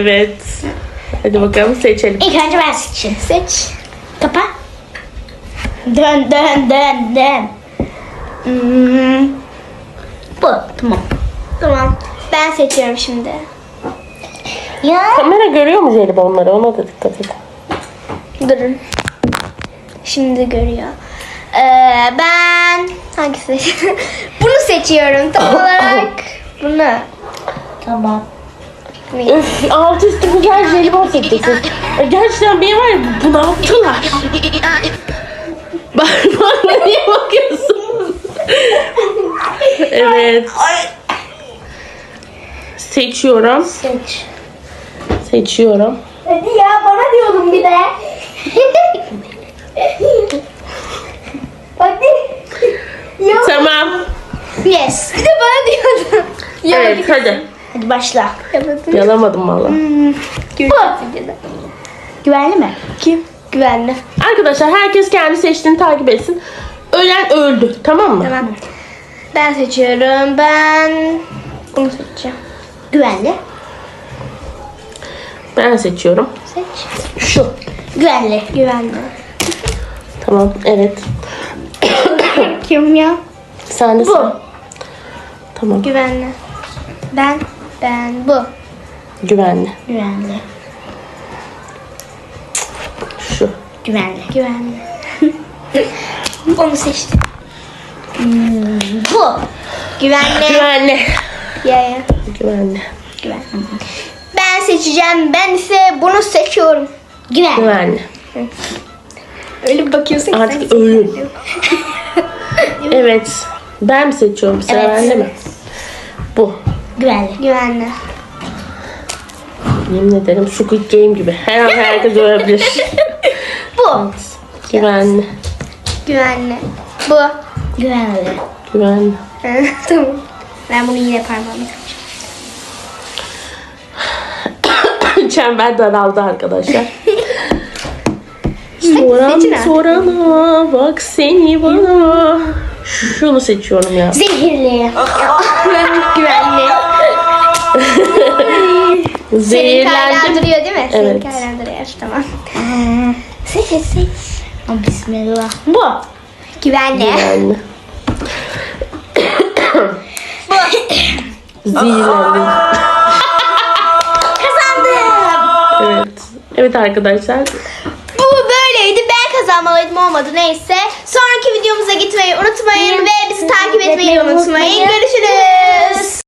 Evet. Hadi bakalım seçelim. İlk önce ben seçeyim. Seç. Kapa. Dön dön dön dön. Bu. Tamam. Tamam. Ben seçiyorum şimdi. Ya. Kamera görüyor mu jelibonları? Ona da dikkat et. Durun. Şimdi görüyor. Ben hangisi? Bunu seçiyorum tam olarak. Bunu. Tamam. Üf, altı üstü güzel jelibon seçeceksin. Gerçekten beni var ya bunalttılar. Bana niye bakıyorsun? Evet. Seçiyorum. Seç. Seçiyorum. Hadi ya bana diyordun bir de. Hadi. Yok. Tamam. Yes. Bir de bana diyordun. Evet hadi. Hadi başla. Yapamadım. Yalamadım valla. Güvenli mi? Kim? Güvenli. Arkadaşlar herkes kendi seçtiğini takip etsin. Ölen öldü. Tamam mı? Tamam. Ben seçiyorum. Ben bunu seçeceğim. Güvenli. Ben seçiyorum. Seç. Şu. Güvenli. Güvenli. Tamam evet. Kim ya? Sen de Bu. sen. Tamam. Güvenli. Ben bu. Güvenli. Güvenli. Şu. Güvenli. Güvenli. Onu seçtim. Bu. Güvenli. Güvenli. Ya. Güvenli. Güvenli. Ben seçeceğim. Ben ise bunu seçiyorum. Güvenli. Güvenli. Öyle bir bakıyorsun ki Artık sanki ölüm. seçiyorum. Evet. Ben mi seçiyorum? Sıra Evet. bende mi? Bu. Güvenli. Güvenli. Yemin ederim Squid Game gibi. Her an herkes ölebilir. Bu. Güvenli. Güvenli. Bu. Güvenli. Güvenli. Tamam. Ben bunu yine parmağımla Çember daraldı arkadaşlar. seçin Soran artık. sorana bak seni bana. Şunu seçiyorum ya. Zehirli. Güvenli. Senin Zehirlendim. kaynan duruyor değil mi? Evet. Senin kaynan duruyor. Tamam. Seç. Bismillah. Bu. Güvenli. Güvenli. Zehirlendim. Kazandım. Evet. Evet arkadaşlar. Bu böyleydi. Ben kazanmalıydım olmadı neyse. Sonraki videomuza gitmeyi unutmayın ve bizi takip etmeyi unutmayın. Görüşürüz.